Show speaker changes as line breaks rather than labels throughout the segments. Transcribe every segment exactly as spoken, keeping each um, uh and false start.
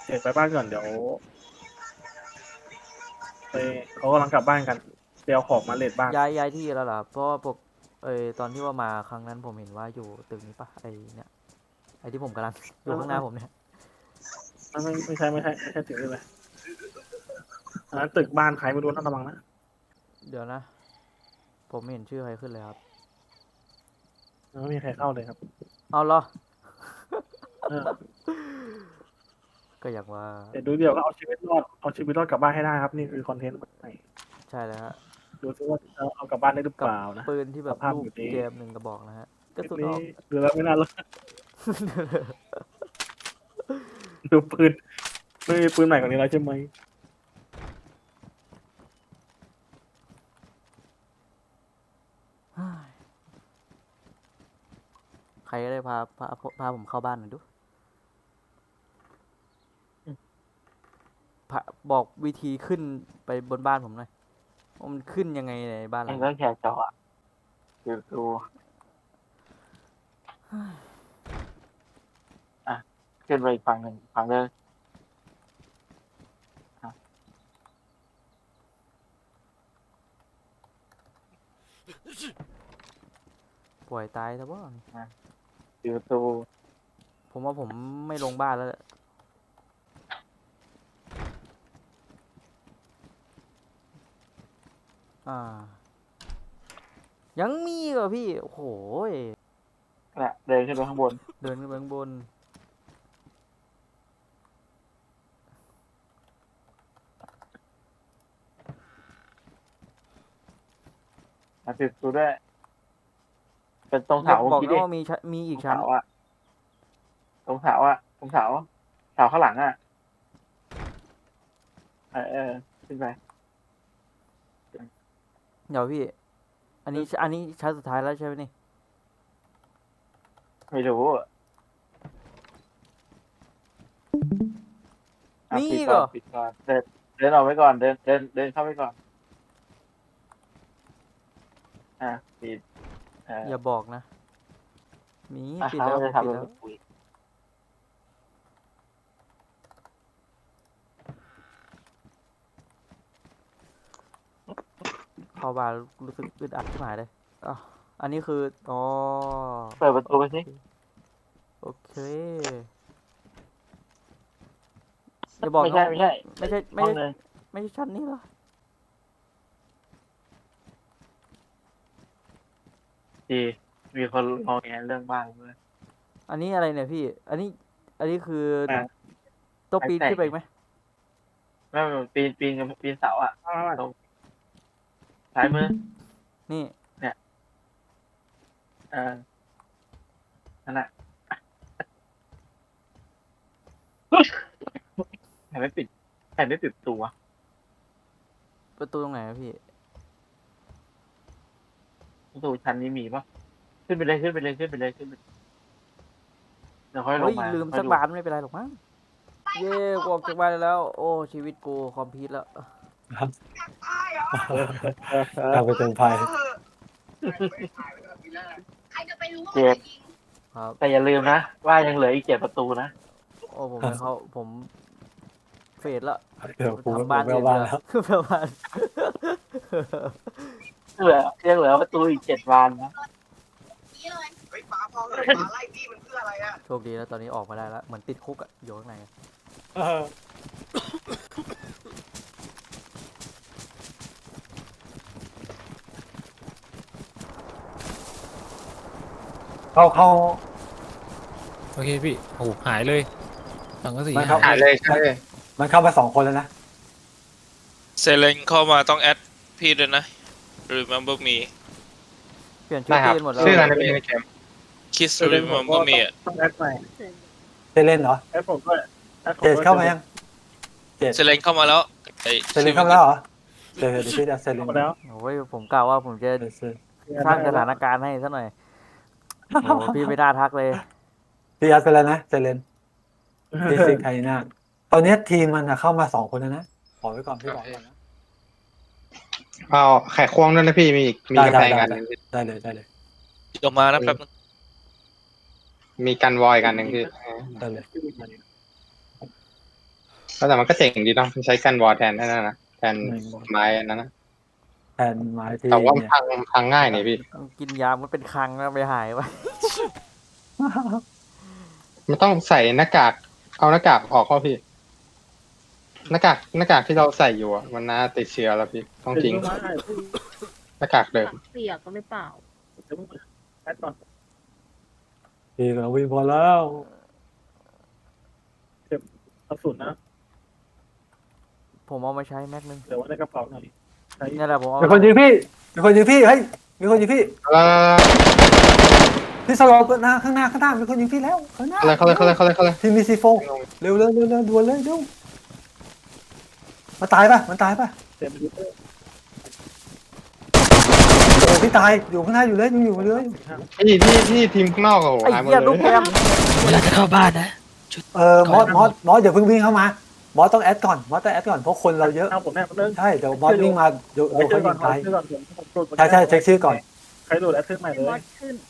เดี๋ยวไปบ้านก่อนเดี๋ยวไปเขากำลังกลับบ้านกันเดี๋ยวของมาเลดบ้าน
ย้ายย้ายที่แล้วเหรอเพราะว่าปกเออตอนที่ว่ามาครั้งนั้นผมเห็นว่าอยู่ตึกนี้ปะไอเนี่ยไอที่ผมกำลังอยู่ข้างหน้าผมเนี่ย
ไม่ไม่ไม่ใช่ไม่ใช่ไม่ใช่ถึงนี่เลยอันนั้นตึกบ้านใครไม่รู้นะระวังนะ
เดี๋ยวนะผมไม่เห็นชื่อใครขึ้นเลยครับ
ไม่มีใครเข้าเลยครับ
เอาเหรอ
เออ
ก็อย่างว่า
เดี๋ยวดูเดี๋ยวก็เอาชีวิตรอดเอาชีวิตรอดกลับบ้านให้ได้ครับนี่คือคอนเทนต์ใหม่
ใช่แล้วฮะ
ดูซิว่าจะเอากลับบ้านได้หรือเป
กับ
ล่านะ
ปืนที่แบ
ส
บลูก
ภาพแบบนี้
เกมหนึ่งกระบอกนะฮะกระสุนอ
นี้
อก
ดูแล้วไม่น่ารอดดูปืนไม่มีปืนใหม่กว่านี้แล้วใช่ไหม
ใครก็ได้พาพาพาผมเข้าบ้านหน่อยดูพาบอกวิธีขึ้นไปบนบ้านผมหน่อยว่ามันขึ้นยังไงในบ้านห
เอ
ลั
ง
ง
ก็
นี้
แค่จออ่ะดูดูอ่ะขึ้นไปอีกฝั่งหนึ่งฝั่งเลย
ปล่อยตายซะบ่
ดูดู
ผมว่าผมไม่ลงบ้านแล้วแหละอ่า ยังมีเหรอพี่โอ้โหย
น่ะเดินขึ้นไปข้างบน
เดินขึ้นไปข้างบน
อ่ะปิดประตูด้วยเป็นตรง
อย่า
เสา
บอก
คิด
นะ
ดิ
ว่ามีชั้นมี
ต
อี
ร
ก
ง
ชั้น
เสาอ่ะตรงเสาอ่ะตรงเสาเสาข้างหลังอ่ะเออเออขึ้นไป
เดี๋ยวพี่ อันนี้อันนี้ชั้นสุดท้ายแล้วใช่ไหมนี่
ไม่รู้อ่ะ
มี
ปิด
อีก
ก่
เหร
อน
อ
ปิดก่อนเดินเดินออกไปก่อนเดินเดินเดินเข้าไปก่อนอ่ะปิดเออ
อย่าบอกนะ มี
อ่ะ
ปิด
เขา
แล้ว
จะ
ผมปิด
ทำเป็น
แล้ว
คุย
เข้าบ้านรู้สึกอึดอัดที่หมายเลยอ๋ออันนี้คืออ๋อ
เปิดประตูไปสิ
โอเคอย่าบอก
ไม่
นะ
ใช่ไม่ใช่
ไม่ใช่ไม่
ห้อง
ใช่
นึง
ไม่ใช่ชั้นนี้เหรอ
ดีมีคนมองแงเรื่องบ้านเลย
อันนี้อะไรเนี่ยพี่ อันนี้ อันนี้คือ
อ่ะ
ต้องปีน
แตก
ขึ้นไปอีกไหม
ไม่ไม่ปีนปีนกับปีนเสาอ่ะ
มามา
ตรงซ้ายมือ
นี่
เออนั่นแหละใครไม่ปิดใครไม่ปิดประตูวะ
ประตูตรงไหนอะพี่
ประตูชั้นนี้มีปะขึ้นไปเลยขึ้นไปเลยขึ้นไปเลยขึ้นไปเดี๋ยวค่อยล
เฮ้
ง
ย
มา
ลืม
ค่อ
สั
ย
ก
ดู
บานไม่เป็นไรหรอกมั้ง เย้กูออกจากบ้านได้แล้ว โอ้ ชีวิตกูคอมพิวต์แล้ว
กลายไปเป็นภัย
เจ็บ
ครับ
แต่อย่าลืมนะว่ายังเหลืออีกเจ็ดประตูนะ
โอ้ ผมไปเขาผมเฟดละ
เดี๋ยวกู
ทำบ้าน
ไม่
อื่
เอา
น
บ้าน
เถ
แล้ว
อะบ้าน
เหลือยังเหลือประตูอีกเจ็ดบานนะ
เฮ้ยป๋าพอเลยป๋าไล่พี่มันเพื่ออะไรอะ
โชคดีแล้วตอนนี้ออกมาได้แล้ว เหมือนติดคุกอะอยู่ข้างในอะ
เออเข้าเข้า
โอเคพี่โอ้โหหายเลยสังกะสี
มันเข้า
หายเลย
ใช่
มันเข้ามาสองคนแล้วนะ
เซเลนเข้ามาต้องแอดพี่ด้วยนะ remember me
เปลี่ยนชื่อทีมหมดแล้ว
ชื่ออะไรเป็นในเกม
kiss
เดี๋ยวผมก็
remember me อะ
ต้องแอดใหม่
เซเลนเหรอ
แอดผมด้วยแอดผม
เจ
ด้
ด
วย
เข้ามายัง
เซเลนเข้ามาแล้วไอ้
เซเลนเข้ามาแล้วเหรอเดี๋ยวเดี๋ยวพี่จะเซเล
เข้าน มาแล้ว
โอ้ยผมกล่าวว่าผมจะ
เดี๋ยวเซเลน
สร้างสถานการณ์ให้ซะหน่อย โอ้พี่ไม่น่าทักเลย
พี่ยัดไปแล้วนะเซเลนดีซิกไทน่าตอนนี้ทีมมันอะเข้ามาสองคนแล้วนะขอไว้ก่อนพี่บอกก่อนนะ
เอาไข่ควงด้วยนะพี่มีอีกมี
ได้
กาแฟ
ได้
กัน
ได้ได้เลยได้เลย
ออกมานะแป๊บนึง
มีกันวอยกันหนึ่งคือ
ได้เลย
แต่มันก็เจ๋งดีเนาะมันใช้กันวอลแทนนั่นนะแทนไม้อันนั้นนะ
แทนไม้ที่
แต่ว่ามัน
เนี่ย
พังพังง่ายนี่พี่
กินยามันเป็นคลังแล้วไปหายวะ
มันต้องใส่หน้ากากเอาหน้ากากออกเข้าพี่หน้ากากหน้ากากที่เราใส่อยู่อะมันน่าติดเชื้อแล้วพี่ต้องทิ้ง
ถึงมา
หน้ากากเดิม
เปียกก็หรือเปล่า
เดี๋ยวมึงแอดก่อน
พี่ก็วิ่งพอแล้ว
กระสุนนะ
ผมเอามาใช้แม็กนึง
เดี๋ยวไว้ในกระเป๋าหน่อยใช้
นี่แหละผมเอา
มีคนยิงพี่มีคนยิงพี่เฮ้ยมีคนยิงพี่
แล้ว
พี่สโลว์หน้าข้างหน้าข้างหน้ามีคนยิงพี่แล้วข้างหน้า
เขาเลยเขาเลยเขาเลยเขาเลยเขาเลย
ทีมมีซีโฟเร็วเร็วเร็วเร็วด่วนเลยเร็วมันตายปะมันตายปะ
เต็มยูเตอร์
โอ้พี่ตายอยู่ข้างหน้าอยู่เลยยังอยู่เลย
พี่ที่ที่ทีมข้างนอกอะโห
ไอ้
หายหมด
เหี้ย
เล
ลูก
ย
แกม
เวลาจะเข้าบ้านนะ
เออมอสมอสมอสอย่าเพิ่งวิ่งเข้ามามอสต้องแอดก่อนมอสต้องแอดก่อนเพราะคนเราเยอะ
เอาผมแน่เริ่ม
ใช่เดี๋ยวมอสวิ่งมาเดี๋ยว
ไป
เดี๋ยว
เจ
เขา
อก่
ยิ
อน
งตาย
เจอก่อนผมผม
ใช่ใช่เช็คชื่อก่อน
ใครโหลดแอดขึ้นใหม่เล
มอย สขึ้น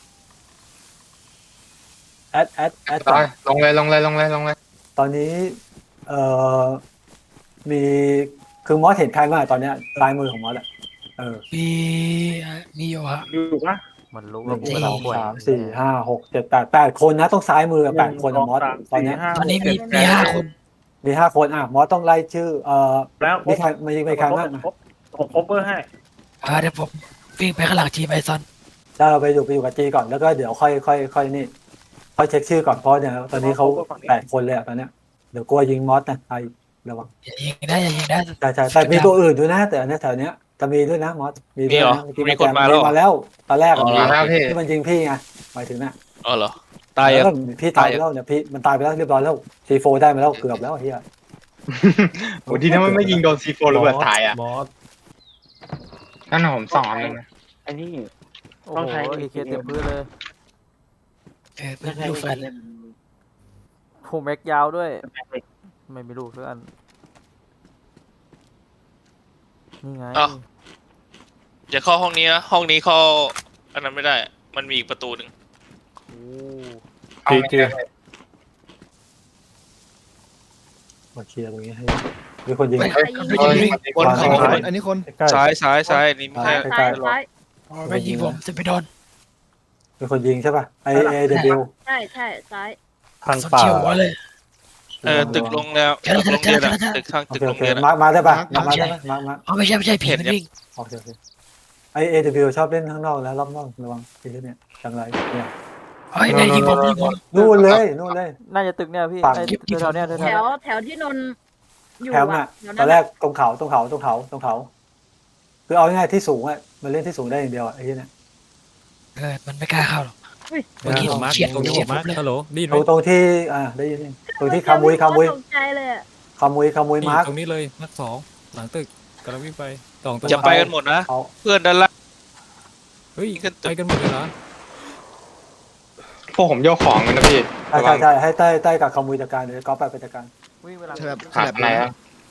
แอดแอดแอดก่อน
ลงเลยลงเลยลงเลยลงเลย
ตอนนี้เอ่อมีคือมอสเห็นใครบ้างตอนเนี้ยซ้ายมือของมอสอะเออ
มีมีอยู่ฮะ
อยู่ปะ
มันรู้
ห
ว่า
นึ่ง
กู
ส
กำลั
อง ง
ป่วย
สามสี่ห้าหกเจ็ดแปดแปดคนนะต้องซ้ายมือแปดคนอะมอสตอนเนี้ย
ตอนนี้มีมีห้าคน
มีห้าคนอ่ะมอสต้องไล่ชื่อเอ่อ
แล้ว
มีใครมีมีใครบ้างนะ
ผมคบเบอร์ให้
อ่าเดี๋ยวผมวิ่งไปข้างหลังทีมไอซอน
ถ้าเราไปอยู่ไปอยู่กับจีก่อนแล้วก็เดี๋ยวค่อยค่อยค่อยนี่ค่อยเช็คชื่อก่อนเพราะเนี่ยตอนนี้เขาแปดคนเลยอะตอนเนี้ยเดี๋ยวกลัวยิงมอสนะไอ้ระวัง
อย่ายิงได้อย่ายิงได้
ใช่ใช่แต่มีตัวอื่นด้วยนะ แต่อันเนี้ยแถวเนี้ยจะมีด้วยนะมอสมีด้วยนะเมื่อกี้
มีคนมาแล้ว
มาแล้วตอนแรกอะ
มาแล้วพี่
ที่มันยิงพี่ไงหมายถึงน่ะ
อ๋อเหรอ ตาย
แล้
ยั
ว
ง
ก็พี่ตายไปแล้วเนี่ยพี่มันตายไปแล้วเรียบร้อยแล้วซีโฟได้มาแล้วเกือบแล้วเฮีย
โหที่ถ้ามันไม่ยิงโดนซีโฟระเบิดตายอ่ะ
มอส
นั่นนะผมสองอันเลยนะ
ไอ้นี่
โอ้โหเอเคเต็มพื้นเลย
เออเป็นลูกแฟน
ผมแม็กยาวด้วย ไม่มีลูกสักอันนี่ไง
อ้าว อย่าเข้าห้องนี้นะ ห้องนี้เข้าอันนั้นไม่ได้ มันมีอีกประตูหนึ่ง
โอ้
เอาไม่ได้
มาเคลียร์ตรงนี้ให้มีคนยิง
ไม่
เฮ้ย
ไม่ยิงวิ่ง
บนเขา
ซ้าย
อันนี้คน
ใกล้
ซ้ายซ้ายซ้ายอันนี้ไม่
ซ้า
ใช่
ยซ้ายซ้าย
ไม่ยิงผมจะไปโดน
มีคนยิงใช่ป่ะไอเอเดบิว
ใช่ใช่ซ้าย
ทาง
สน
ป่า
เชียวหัวเลย
เออตึกลงแล้วตึกโรงเรียนอะตึกข้าง
โอ
ตึก
เค
โร
โอง เค
เรียนอะ
มาร์คมาได้ป่ะมาร์คได้ไหมมาร์คมาร์ค
อ๋อไม่ใช่ไม่ใช่ผี
เห็น
มัน
ยัง
วิ่ง
โอเคโอเคไอเอเดบิวชอบเล่นข้างนอกแล้วรอบนอกระวังไอ้เนี่ยจังไรเนี่ย
เฮ้ยไม่ยิงผมยิงผม
นู่นเลยนู่นเลย
น่าจะตึกเนี่ยพี่
ฝั่ง
ไอ้แถวๆเนี้ยแถวๆ
แถ
เนี้ยว
แถวที่นนท์อยู่
แคมป์
อ่ะ
อ่ะ
แถว
ต
นั้
อน นแรกตรงเขาตรงเขาตรงเขาตรงเขาคือเอาง่ายๆที่สูงอ่ะมันเล่นที่สูงได้อย่างเดียวอ่ะไอ้เนี่ย
เออมันไม่กล้าเข้าหรอก เมื่อกี้
ผมมาร์ค
เฉียด
ตรงนี้
เฉี
ผ
ยด
มมาร์ค
ผมเลย
ฮัลโหลได้ยินไห
ต
ม
รงตรงที่อ่าได้ยินนี่ตรงที่คามุยคามุย
ตกใจเลยอะ
คามุยคามุย
นี่
มาร์ค
ตรงนี้เลยมาร์คสองหลังตึกกำลังวิ่งไปสองตัว
จะไปกันหมดนะ
เขา
เพื่อนด้านล่าง
เฮ้ย
ขึ้นตึก
ไปกันหมดเลยเหรอ
พวกผมโยกของกันนะพี่
ใช่ใช่ใช่ให้ใต้ใต้กับคามุยจัดการเดี๋ยวก๊อฟไปไปจัดการ
วิ่งเวลา
ใช่แบบ
ขาดไหนอะ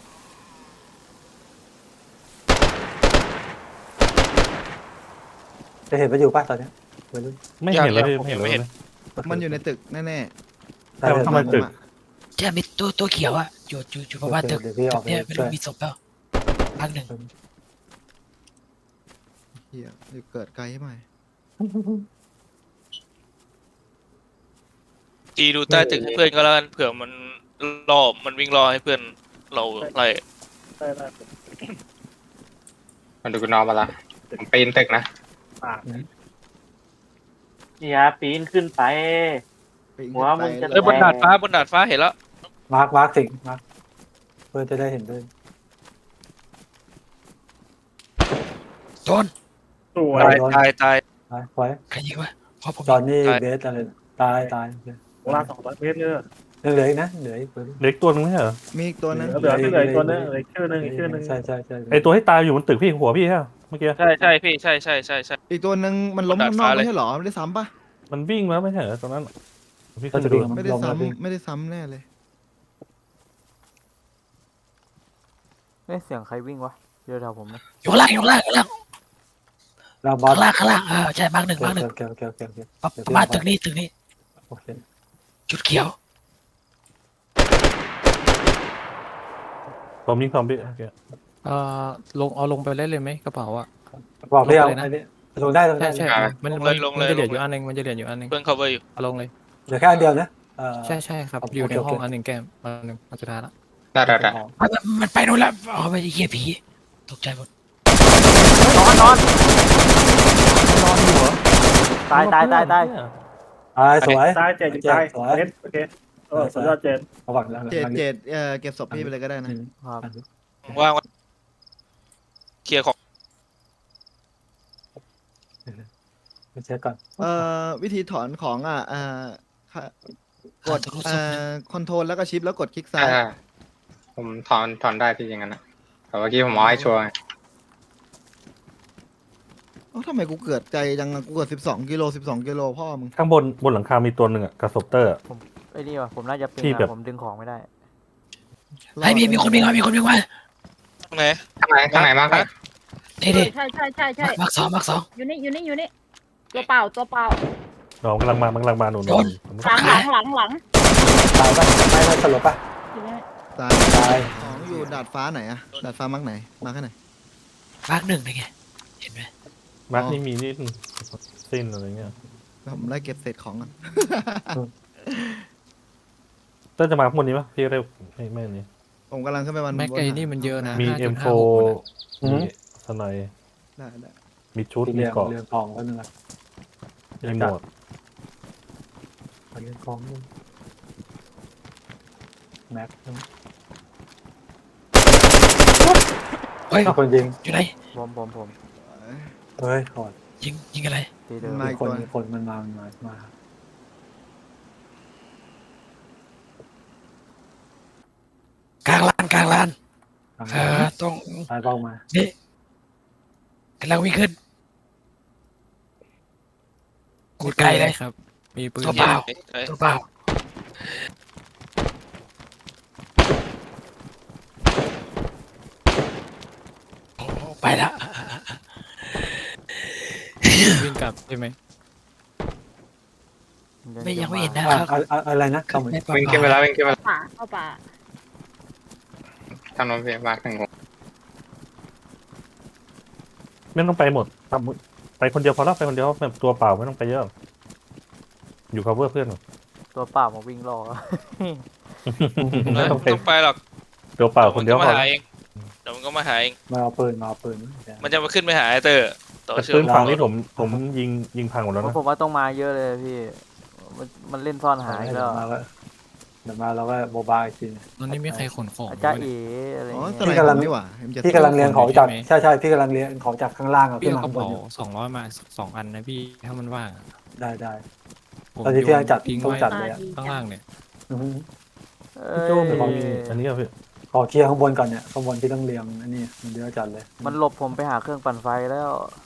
จะเห็นมันอยู่ป่ะตอนเนี้ยไม่รู้
ไม่เห็นเลย
ผม
ไม่เห็น
ไม่
เลย
เห็น
มันอยู่ในตึกแน่
ใช่
ๆ
ใช่
ทำไมตึก
ใช่มีตัวตัวเขียวอะอยู่อยู่อยู่ประมาณตึก
เดี๋ยวพี่ออกไป
เนี่ยไม่
ช่
รู้
วย
มีศพเปล่าพักหนึ่ง
เฮียเดี๋ยวเกิดไกลให้ใหม่
จีดูใต้ตึกให้เพื่อนก็แล้วกันเผื่อมันรอมันวิ่งรอให้เพื่อนเราไล่
ได้ได้
มาดูกูนอนมาละผมปีนตึกนะ
ปาก
อย่าปีนขึ้นไป
ไปอีก
หัวมึงจะ
ไป
เอ้ยบนดาดฟ้าบนดาดฟ้าเห็นแล้ว
มาร์คมาร์คสิ่งมาร์คเพื่อจะได้เห็นด้วย
โดน
สวย
ตายตายตาย
ไปไว้
ใครยิงวะเพราะผม
ตอนนี้
ตาย
เบสอะไรตายตาย
โบราณสองร้อยเมตรเนี่ย
ยังเหลืออีกนะเหลืออีกตัวนึง
เล็กตัวนึงไม่ใช่เหรอ
มีอีกตัวนึง
เหลือที่เหลือตัวนึงเหลือชื่อนึงอีกชื่อนึง
ใช่ใช่ใช่
ไอตัวที่ตายอยู่บนตึกพี่หัวพี่ใช่ปะเมื่อกี้
ใช่ใช่พี่ใช่ใช่ใช่ใช่
อีกตัวนึงมันล้ม
ดาด
ข้างนอ
ฟ้าก เลย
ไม่ใช่เหรอไม่ได้ซ้ำปะ
มันวิ่งมาไม่ใช่เหรอตรงนั้นพี่
ก็
ขึ้น
จะ
ไป
ดู
ดู
ไม่ได้
ลงมาวิ่ง
ซ้ำไม่ได้ซ้ำแน่เลย
เอ้ยเสียงใครวิ่งวะเดี๋ยวแถวผมนะ
อยู่ข้างล่างอยู่ข้างล่างข้างล่าง
เราบอส
ข้างล่างข้างล่างเออใช่มาร์กหนึ่ง
โอ
มาร์กหนึ่ง
เคโอเคโอเคโอเค
ประมาณตึกนี้ตึกนี้
โอเค
จุดเขียว
ผมยิงซอมบี้โอเค
เอ่อลงเอาลงไปเล่นเลยไหมกระเป๋าอ่ะ
บอกพี่เอา
ลงไปเลยนะ
อันนี้ลงได้ลง
ใช่
ได้
ใช่มัน
ลง
มั
เล
น
ยลง
มัน
เลย
จะเหลือ
ลง
อยู่
เลย
อันหนึงมันจะเหลืออยู่อันหนึง
เพื่อน cover อยู่
เอาลงเลย
เหลือแค่อันเดียวนะเออ
ใช่ใช่ครับ
โอเค
อยู่ในห้อง
โอเค
อันหนึ่งแก้มอันหนึ่งอันสุดท้ายละ
ได้ได้ได้
มันมันไปนู่นแล้วเอาไปเหี้ยผีตกใจหมด
นอนนอนนอนอยู่เหรอตายตายตายตาย
ตายสวย
ตายเจ็ดอยู่ตาย
สวย
เจ็ดโอเคเออสุดยอดเจ็ด
ระวังแล้ว
เจดเจดเอ่อเก็บศพพี่ไปเลยก็ได้นะ
ครับ
ว่างไว้เคลียร์ของ
ไปเช็คก่อน
เอ่อวิธีถอนของอ่ะเอ่อค่ะกดเอ่อคอนโทรลแล้วก็ชิปแล้วกดคลิกซ้าย
อ่าผมถอนถอนได้ที่อย่างนั้นนะแต่เมื่อกี้ผมเอาให้ชัวร์ไง
เอ้าทำไมกูเกิดใจจังอะกูเกิดสิบสองกิโลสิบสองกิโลพ่อมึง
ข้างบนบนหลังคามีตัวหนึ่งอะกระสบเตอร์อะ
ผมไอ้นี่ว่ะผมน่าจะปิง
ที่
อะ
แบบ
ผมดึงของไม่ได้
ไอ้ยมีมีคนวิ่งมามีคนวิ่งมา
ตรงไหน
ข้างไหนข้างไหนมากครับ
นี่ดิ
ใช่ใช่ใช่ใช่
มักสองมักสอง
อยู่นี่อยู่นี่อยู่นี่ตัวเปล่าตัวเปล่า
น้องกำลังมามันกำลังมาหนุน
โดน
หลังหลังหลังหลัง
ตายปะไม่ไม่สลบปะ
อยู่นี่
ตาย
ตาย
ของอยู่ดาดฟ้าไหนอะดาดฟ้ามักไหนมาแค่ไหน
มักหนึ่งเลยไงเห็นไหม
มาร์คนี่มีนี่สิ้นอะไรเงี้ย
ผมไล่เก็บเศษของก่อน
เต้นจะมาข้างบนนี้ปะพี่เร็วไม่ไม่อันนี้
ผมกำลังขึ้นไปวัน
แม็ก
บ
ไอ้
หา
นี่มันเยอะนะ
มี
ห้า
เอ็
จุ
ม
ด
โฟ
ห้าหกนะ
มีสไนด์
ได้ได้
มีชุด
ที่
มี
เรียง
เกราะ
เรียงทองก็นึงอะ
มีหมวก
เรียงทองนึงแม็กนึง
เฮ้ย
คนยิง
อยู่ไหน
ผมผมผม
เฮ้ยขอด
ยิงยิงอะไร
ทีเดิม
มา
มี
อีก
คน
ตัว
มีคนมันมามันมามา
กลางลานกลางลาน
ทาง
เออตรง
ตายเป้ามา
นี่กำลังวิ่งขึ้นกูดไกลเลย
ครับ มีปืน
ตัวเปล่า
เอ้ย
ตัวเปล่าโอ้ไปละ
วิ่งกลับใช่ไหม
ไม่ยังไม่เห็นนะ
อ่ะ
ครับ
อะอะอะไรนะเข้ามา
ไม่
วิ่งขึ้นไปแล้ววิ่งขึ้นไปแล้ว
ป่าเข้าป่า
ทางโน้นพี่มาร์คหนึ่งหก
ไม่ต้องไปหมดทำไปคนเดียวพอแล้วไปคนเดียวแบบตัวเปล่าไม่ต้องไปเยอะ อยู่ cover เพื่อนก่อน
ตัวเปล่ามาวิ่งรอ
ไม่ต้องไป
ต้องไปหรอก
ตัวเปล่าคนเดียว
มั
พ
ก็
อ
มา
แล้ว
หาเองเดี๋ยวมันก็มาหาเอง
มาเอาปืนมาเอาปืน
มันจะมาขึ้นไปหาไอเตอร์ต่อ
แต่
เชื่
ปื
อน ม
ฝั่งนี้ผมผมยิงยิงพังหมดแล้ว
เพราะ
นะ
ผมว่าต้องมาเยอะเลยพี่ มันมันเล่นซ่อนหาย
เดี๋
แล้
ยว
ว
มาก็เดี๋ยวมาเราก็โมบายอีกที
ตอนนี้มีใครขนของ
อา
ไหม
จารย์
เนี่
เอ๋
ย
อะไร
อ๋อ
เงี้
ส
ย
ไลด์ผมนี่หว่า เอ็ม เจ็ด
พี่กำลังเรียงของจาก
ใช่ไหม
ใช่ใช่พี่กำลังเรียงของจากข้างล่างอะ
พี่
ขึ้น
เอา
มาก
ระ
ข้างบน
เป๋า
อยู่
สองร้อยมาสองอันนะพี่ถ้ามันว่างอะ
ได้ได้
ผม
ตอนนี้
โย
พี่ยังจัด
ทิ้ง
ต้อง
ไว้
จัดเลยอะ
ข้างล่างเนี่ย
อือฮึ
เอ้ย
โจ้มีอันนี้อะพี่
ขอเคลียร์ข้างบนก่อนเนี่ยข้างบนที่ต้องเรียงอันนี้มันเดี๋ยวจัดเลย
มันหลบผมไปหาเครื่องปั่นไฟแล้ว